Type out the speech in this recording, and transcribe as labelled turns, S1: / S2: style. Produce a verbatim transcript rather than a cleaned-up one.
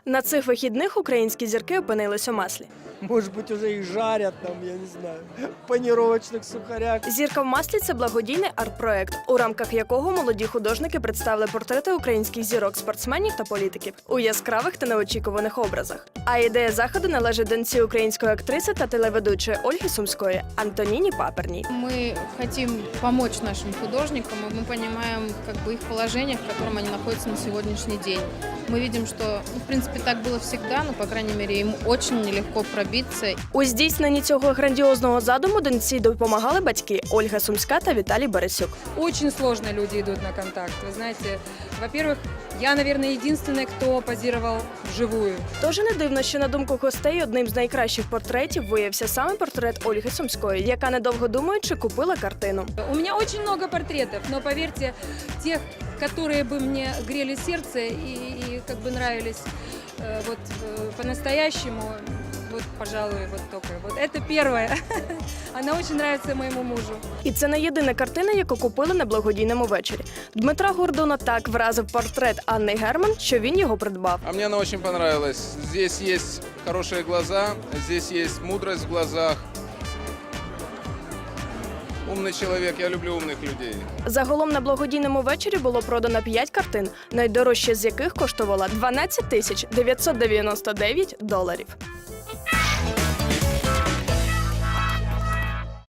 S1: На цих вихідних українські зірки опинились у маслі.
S2: Может быть, уже их жарят там, я не знаю, в панировочных сухарях.
S1: «Зірка в маслі» – це благодійний арт-проект, у рамках якого молоді художники представили портрети українських зірок, спортсменів та політиків у яскравих та неочікуваних образах. А ідея заходу належить доньці української актриси та телеведучої Ольги Сумської – Антоніні Паперній.
S3: Мы хотим помочь нашим художникам, и мы понимаем как бы их положение, в котором они находятся на сегодняшний день. Мы видим, что, ну, в принципе, так было всегда, но, по крайней мере, им очень нелегко пробиться.
S1: У здійсненні цього грандіозного задуму доньці допомагали батьки Ольга Сумська та Віталій Борисюк.
S4: Очень сложно люди идут на контакт. Вы знаете, во-первых, я, наверное, единственная, кто позировал вживую.
S1: Тож не дивно, що на думку гостей одним з найкращих портретів виявився саме портрет Ольги Сумської, яка, недовго думаючи, купила картину.
S4: У меня очень много портретов, но поверьте, тех, которые бы мне грели сердце и, и как бы нравились э, вот э, по-настоящему, вот, пожалуй, вот только. Вот это первое. Она очень нравится моему мужу.
S1: І це не єдина картина, яку купили на благодійному вечорі. Дмитра Гордона так вразив портрет Анни Герман, що він його придбав.
S5: А мне она очень понравилась. Здесь есть хорошие глаза, здесь есть мудрость в глазах. Умный человек, я люблю умных людей.
S1: Загалом на благодійному вечорі було продано п'ять картин, найдорожча з яких коштувала дванадцять тисяч дев'ятсот дев'яносто дев'ять доларів.